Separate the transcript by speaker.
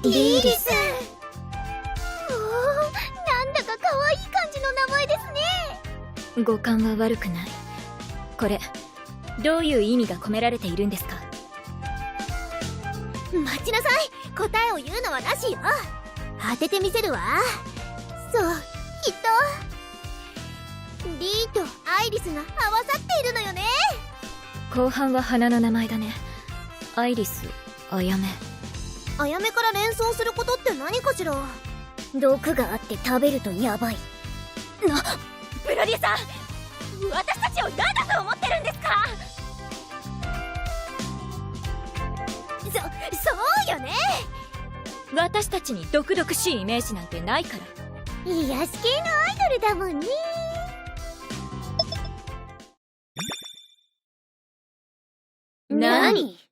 Speaker 1: リリス。
Speaker 2: おお、なんだか可愛い感じの名前ですね。
Speaker 1: 語感は悪くない。これどういう意味が込められているんですか？
Speaker 2: 待ちなさい。答えを言うのはなしよ。当ててみせるわ。そう、きっとリーとアイリスが合わさっているのよね。
Speaker 1: 後半は花の名前だね。アイリス、あやめ。
Speaker 2: あやめから連想することって何かしら。
Speaker 1: 毒があって食べるとヤバい。
Speaker 2: ブロディさん、私たちを何だと思ってるんですか？そうよね。
Speaker 1: 私たちに毒々しいイメージなんてないから。
Speaker 2: 癒し系のアイドルだもんね。
Speaker 1: 何？